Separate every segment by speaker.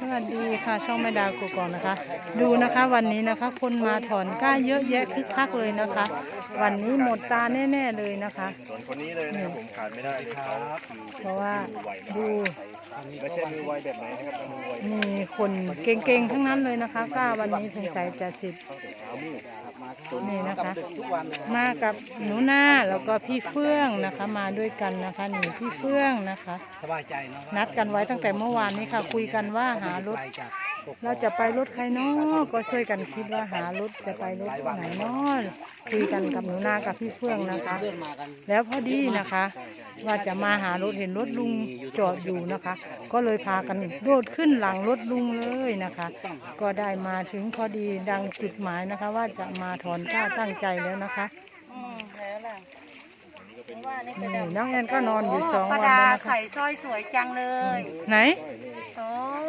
Speaker 1: วัสดีค่ะช่องแม่ดาวกูกองนะคะดูนะคะวันนี้นะคะคนมาถอนก้าเยอะแยะคึกคักเลยนะคะ วันนี้หมดตาแน่ๆเลยนะคะ
Speaker 2: ส่วนคนนี้เลยนะครับผมขาดไม่ได้เลยเขา
Speaker 1: เพราะว่าดู
Speaker 2: ไม่ใช่มือไวแบบไหนนะครับมือไว
Speaker 1: มีคนเก่งๆทั้งนั้นเลยนะคะก้าวันนี้สงสัยจะสิบนี่นะคะมากับหนูนาแล้วก็พี่เฟื่องนะคะมาด้วยกันนะคะนี่พี่เฟื่องนะคะ
Speaker 3: สบายใจเนาะ
Speaker 1: นัดกันไว้ตั้งแต่เมื่อวานนี้ค่ะคุยกันว่าหารถเราจะไปรถใครเนาะก็ช่วยกันคิดว่าหารถจะไปรถไหนเนาะคุยกันกับหนูนากับพี่เฟื่องนะคะแล้วพอดีนะคะว่าจะมาหารถเห็นรถลุงจอดอยู่นะคะ ก็เลยพากันโดดขึ้นหลังรถลุงเลยนะคะ ก็ได้มาถึงพอดีดังจุดหมายนะคะ ว่าจะมาถอนก้าตั้งใจแล้วนะคะนี่น้องแอนก็นอนอยู่2 วันแล้วนะคะ
Speaker 4: ใส่สร้อยสวยจังเลย
Speaker 1: ไหน
Speaker 4: โอ้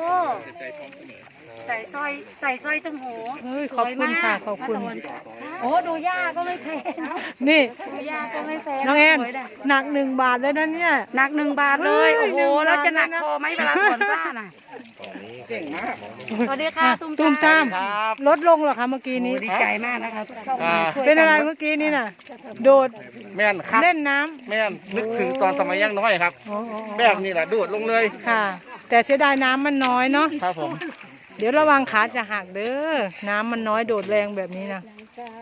Speaker 4: ใส่สร้อยตึงหู
Speaker 1: ขอบคุณค่ะขอบคุณ
Speaker 4: โอ้ดูย่าก็ไม่แพง
Speaker 1: นี่
Speaker 4: ดูย่าก็ไม่แพง
Speaker 1: น้องแอนหนัก1 บาทเลยนะเนี่ย
Speaker 4: หนัก1 บาทเลยโอ้โหแล้วจะหนักคอไหมเวลาถอนกล้าน่ะ
Speaker 3: เก่งมาก
Speaker 4: สวัสดีค่ะ
Speaker 1: ตุ้มตามลดลงเหรอคะเมื่อกี้นี้
Speaker 4: ดีใจมากนะคะ
Speaker 1: เป็นอะไรเมื่อกี้นี้น่ะโดด
Speaker 3: แม่นครับ
Speaker 1: เล่นน้ำ
Speaker 3: แม่นนึกถึงตอนสมัยยังน้อยครับแบบนี้แหละโดดลงเลย
Speaker 1: ค่ะแต่เสียดายน้ำมันน้อยเนาะ
Speaker 3: ครับผม
Speaker 1: เดี๋ยวระวังขาจะหักเด้อน้ำมันน้อยโดดแรงแบบนี้นะ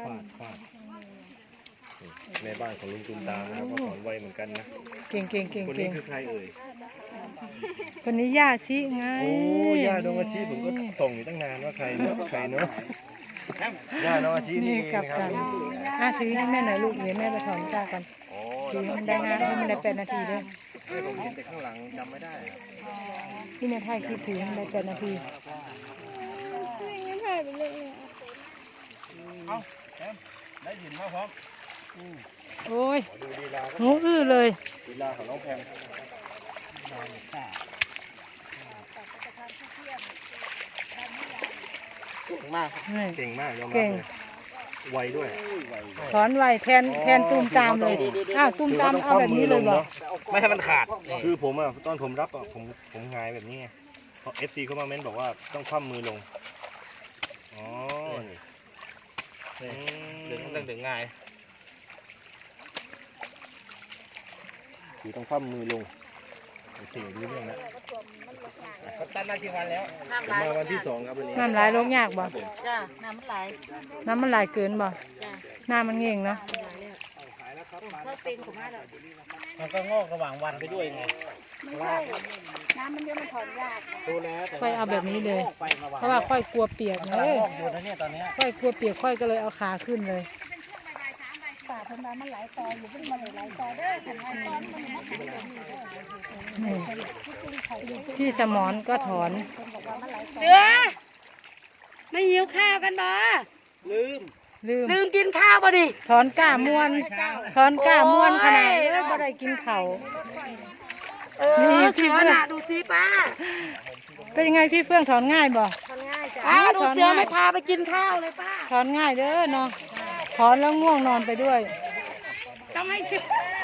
Speaker 2: ในบ้านของลุงตุนตามนะครับก็ถอนไวเหมือนกันนะ
Speaker 1: เก่ง
Speaker 2: คนนี้คือใครเอ่ย
Speaker 1: คนนี้ย่าชิไง
Speaker 2: โอ้ย่าน้องอาชีผมก็ส่งอยู่ตั้งนานว่าใครเนาะย่าน้องอาชีนี่
Speaker 1: กับกันถือให้แม่หน่อยลูกเดี๋ยวแม่ไปถอนก้ากันถือมันได้งานให้มันได้8 นาทีด้วย
Speaker 2: ผมเห็นแต่ข้างหลังจำไม่ได้
Speaker 1: ที่แม่ถ่ายคลิปถือมันได้8 นาที
Speaker 3: ได้ยินมาพร้อม
Speaker 1: โอ้ยหูอื้อเลย
Speaker 2: ลีลาของน้องแพง
Speaker 3: เก่งมาก
Speaker 2: เก่งมากยอมรับเลยไวด้วย
Speaker 1: ถอนไวแทนตุ้มตามเลยตุ้มตามเอาแบบนี้เลยเหรอ
Speaker 3: ไม่ให้มันขาด
Speaker 2: คือผมอ่ะตอนผมรับอ่ะผมหงายแบบนี้ไงเพราะ FC เขามาเม้นบอกว่าต้องคว่ำมือลงอ๋อ
Speaker 3: ดึงง่าย
Speaker 2: คือต้องคว่ำมือลงโอเครู้เรื่องแล้ว
Speaker 3: ตันมากี่วันแล้ว
Speaker 2: มาวันที่2ครับวันนี้
Speaker 1: น้ำไหลลงยากบ่
Speaker 4: จ้าน้ำมันไห
Speaker 1: ลเกินบ่หน้ามันเง่งเนาะ
Speaker 4: ถ้าเป็นของแม่เรา
Speaker 3: มันก็งอกระหว่างวันไปด้วยไง
Speaker 4: ไม่ใช่น้ำมันเยอะมันถอนยาก
Speaker 3: ดูแล้ว
Speaker 1: ค่อยเอาแบบนี้เลยเพราะว่าค่อยกลัวเปียกเลยค่อยกลัวเปียกค่อยก็เลยเอาขาขึ้นเลย
Speaker 4: ป่าธรรมดามันหลายตออยู่ที่มันหลายตอได้ถึงหลายตอน
Speaker 1: พี่สมรก็ถอน
Speaker 4: เสือไม่หิวข้าวกันบ่ลืมกินข้าวบ่ดิ
Speaker 1: ถอนก้าม้วนขนาดแล้วบ่ได้กินข้าว
Speaker 4: นี่เสือน่ะดูซิป้า
Speaker 1: เป็นยังไงพี่เฟื่องถอนง่ายบ่
Speaker 4: ถอนง่ายจ้ะดูเสือไม่พาไปกินข้าวเลยป้า
Speaker 1: ถอนง่ายเด้อเนาะถอนแล้วง่วงนอนไปด้วย
Speaker 4: ต้องให้เสื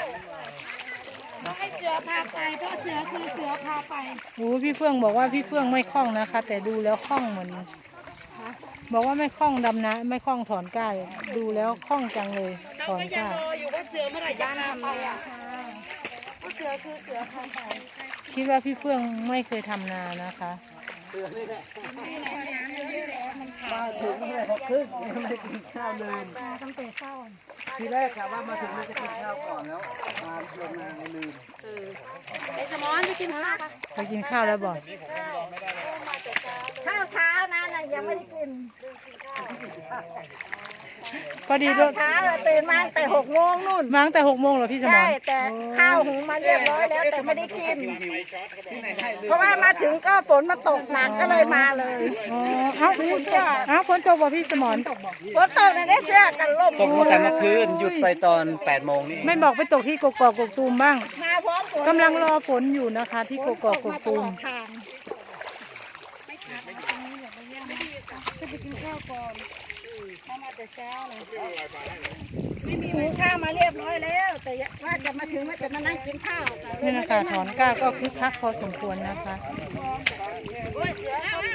Speaker 4: อพาไปเพราะเสือคือเสือพาไป
Speaker 1: โอ้พี่เฟื่องบอกว่าพี่เฟื่องไม่คล่องนะคะแต่ดูแล้วคล่องเหมือนบอกว่าไม่คล่องดำนะไม่คล่องถอนก้าดูแล้วคล่องจังเลยถอนก้า
Speaker 4: อยู่ว่าเสือเมื่อไหร่จะนำเลยอะเสือคือเสือพาไป
Speaker 1: คิดว่าพี่เฟื่องไม่เคยทำนานะคะ
Speaker 3: มาถึงเลย6 ครึ่งยังไม่ได้กินข้าวเลย
Speaker 4: ตั้งแต่เช้า
Speaker 3: ทีแรกค่ะว่ามาถึงเลยจะกินข้าวก่อนแล้วมาลงนาลืม
Speaker 4: ไอ้สมอนไปกินข้าว
Speaker 1: ไปกินข้าวแล้วบอก
Speaker 4: ข้าวเช้านะยังไม่ได้กิน
Speaker 1: พอดี
Speaker 4: รถเช้าตื่นมาแต่6 โมงนู่น
Speaker 1: มาตั้งแต่6 โมงเหรอพี่สมร
Speaker 4: ใช่แต่ข้าวหุงมาเรียบร้อยแล้วแต่ไม่ได้กินเพราะว่ามาถึงก็ฝนมาตกหนักก็เลยมาเลย
Speaker 1: ฝนตกบ่พี่สมร
Speaker 4: ฝนตกในเสื้อกันลม
Speaker 3: ตกตั้งแต่เมื่อคืนหยุดไปตอน8 โมงนี่
Speaker 1: ไม่บอกไปตกที่กกอกกกตูมบ้างกำลังรอฝนอยู่นะคะที่กกอกกกตูม
Speaker 4: จะไปกินข้าวก่อนมาแต่เช้าเลยไม่มีหุงข้าวมาเรียบร้อยแล้วแต่ว่าจะมาถึงว่าจะมานั่งกินข้าว
Speaker 1: นี่นะคะถอนก้าก็คึกคักพอสมควรนะคะ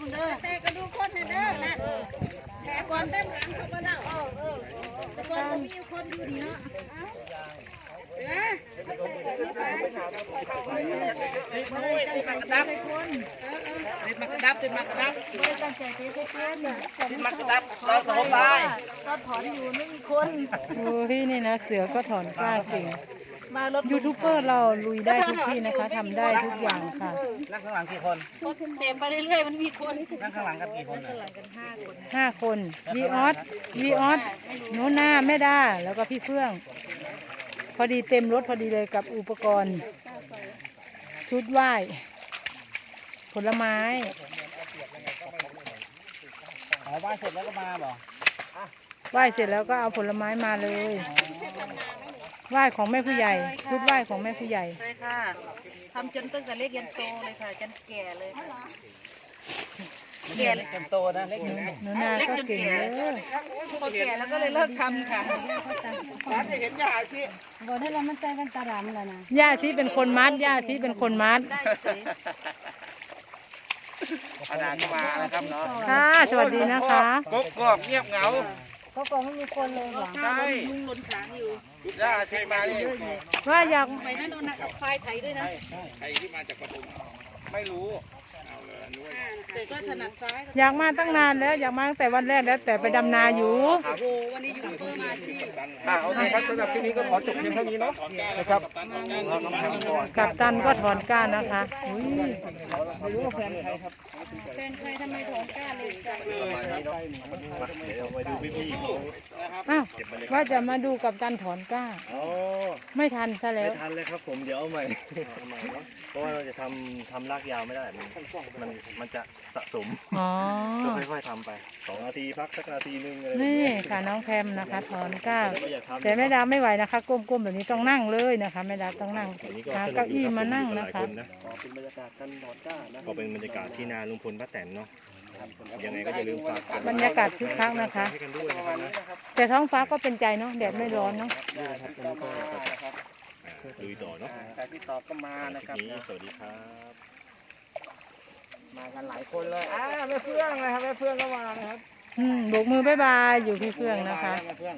Speaker 4: เด้อแต่ก็ดูคนเด้อนั่นแขกก่อนเต็มหลังเขาก็เล่าแต่ก่อนก็มีคนอยู่ดีเนาะ
Speaker 3: ติดมากระดับติดมากระดับติดมากระดับ
Speaker 4: ไม่ตั้งใจเตะเพื่อน
Speaker 3: ติดมากระดับเราสมบาย
Speaker 4: ก็ถอนอยู่ไม่มีคน
Speaker 1: โอ้ยนี่นะเสือก็ถอนกล้าเก่ง
Speaker 4: มารถ
Speaker 1: ยูทูบเบอร์เราลุยได้ทุกที่นะคะทำได้ทุกอย่างค่ะ
Speaker 3: นั่งข้างหลังกี่คน
Speaker 4: เต็มไปเรื่อยๆมันมีคน
Speaker 3: นั่งข้างหลังกันกี่คนน่ะ
Speaker 1: 5 คนวีออสโนนาแม่ดาแล้วก็พี่เฟื่อง พอดีเต็มรถพอดีเลยกับอุปกรณ์ ชุดไหว้ผลไม้
Speaker 3: อ๋อไหว้เสร็จแล้วก็มาบ่
Speaker 1: ไหว้เสร็จแล้วก็เอาผลไม้มาเลย ไหว้ของแม่ผู้ใหญ่ ชุดไหว้ของแม่ผู้ใหญ่
Speaker 4: ใช่ค่ะทำจนตั้งแต่เล็กยันโตเลยค่ะจนแก่เลย
Speaker 3: เล็กจนโตนะเล็กจน
Speaker 1: หนูนาก็เก่งเลย
Speaker 4: พอแก่แล้วก็เลยเลิกทำค่ะ
Speaker 3: จะเห็นยาที่
Speaker 4: บอกให้เรามันใจมันตาดำแล้วนะ
Speaker 1: ย่าซีเป็นคนมัดย่าซีเป็นคนมัด
Speaker 3: อาจารย์ก็มานะครับเนาะ
Speaker 1: ค่ะ สวัสดีนะคะ
Speaker 3: กอกเงียบเหงา
Speaker 4: เขาบอกไม่มีคนเลยหรอ
Speaker 3: ใช่
Speaker 4: ลุงหล่นขางอยู่
Speaker 3: ย่าใช่มาดิ
Speaker 1: ว่าอยาก
Speaker 4: ไปนั่นโดนกับควายไถด้วยนะ
Speaker 3: ใครที่มาจากปทุมไม่รู้
Speaker 4: แต่ก็ถนัดซ้าย
Speaker 1: อยากมาตั้งนานแล้วอยากมาตั้งแต่วันแรกแล้วแต่ไปดำนาอยู่
Speaker 4: โอ้โหวันนี้ยูทูบเบอร์มาที่
Speaker 3: โอเคครับสำหรับที่นี้ก็ขอจบเพียงเท่านี้เนาะนะครับ
Speaker 1: กับตันก็ถอนก้านนะคะอุ้ย
Speaker 3: ไม่รู้ว่าแฟนใครครับ
Speaker 4: แฟนใครทำไมถอนกล้าเลยใจ
Speaker 2: เดี๋ยวไปดูพี่
Speaker 1: อ้าวว่าจะมาดูกับตันถอนก้า
Speaker 2: ๆอ๋อ
Speaker 1: ไม่ทันซะแล้
Speaker 2: ไม่
Speaker 1: ว
Speaker 2: ทันเลยครับผมเดี๋ยวเอาใหม่เพราะว่าเราจะทำลากยาวไม่ได้มันจะสะสม
Speaker 1: อ๋อ
Speaker 2: ก็ค่อยๆทำไป2 นาทีพักสักนาทีนึงอะไรแบบ
Speaker 1: นี่
Speaker 2: นี้
Speaker 1: ค่ะน้องแพมนะคะ ถอนก้า
Speaker 2: ไม่อยากทำ
Speaker 1: แต่แม่ดาไม่ไหวนะคะ ก้มๆแบบนี้ต้องนั่งเลยนะคะแม่ดาต้องนั่ง
Speaker 2: อันนี้ก็
Speaker 1: หา
Speaker 2: สนุ
Speaker 1: เก้าก
Speaker 2: ดี
Speaker 1: อี้
Speaker 2: รับ
Speaker 1: มานั่ง
Speaker 2: ผมอยู่
Speaker 1: นะ
Speaker 2: กับหลาย
Speaker 1: คะ
Speaker 2: คนนะเป็นบรรยากาศกันถอนก้านะก็เป็นบรรยากาศที่นาลุงพลป้าแตนเนาะยังไงก็อย่าลืมฝาก
Speaker 1: บรรยากาศคึกคักนะคะ
Speaker 2: ให้กันด้วยนะครับนะ
Speaker 1: แต่ท้องฟ้าก็เป็นใจเนาะแดดไม่ร้อนเนาะ
Speaker 2: ลุยต่อเนาะ
Speaker 3: แต่ที่ตอบก็มานะค
Speaker 2: คลิ
Speaker 3: รับ
Speaker 2: ปนี้สวัสดีครับ
Speaker 3: มากันหลายคนเลยแม่เฟื่องนะครับแม่เฟื่องก็มานะครับ
Speaker 1: โบกมือบายบายอยู่พี่เฟื่องนะคะ
Speaker 3: แม่เฟื่อง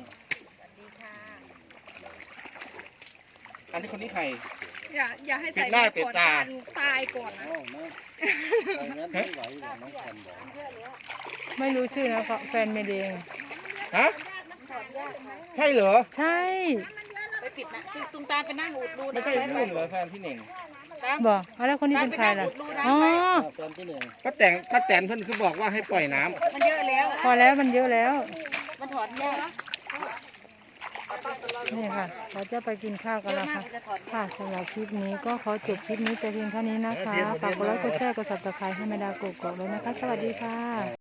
Speaker 3: อันนี้คนนี้ใคร
Speaker 4: อย่าให้ใส่
Speaker 3: ปิดหน้าปิดตา
Speaker 4: ตายก่อนนะ
Speaker 1: ไม่รู้ชื่อนะเพราะแฟนเมเดง
Speaker 3: ฮะใช่เหรอ
Speaker 1: ใช่
Speaker 4: ไปปิดนะตุ้มตาไปนั่งอุดรู
Speaker 3: ไม่
Speaker 4: นะ
Speaker 3: ใช่รุ่นเหรอแฟนพี่เน่ง
Speaker 1: บอกเอาแล้วคนนี้เป็นใครล่ะอ๋อ
Speaker 3: แฟนพี่เน่งป้าแตนเพิ่นคือบอกว่าให้ปล่อยน้ำ
Speaker 4: มันเยอะแล้ว
Speaker 1: พอแล้วมันเยอะแล้ว
Speaker 4: มันถอนยาก
Speaker 1: นี่ค่ะ เราจะไปกินข้าวกันแล้วค่ะ
Speaker 4: จะถอน
Speaker 1: ค่ะสำหรับคลิปนี้ก็ขอจบคลิปนี้แต่เพียงเท่านี้นะคะฝากกดไลค์กดแชร์กด Subscribe ให้แม่ดากกอกๆเลยนะคะ สวัสดีค่ะ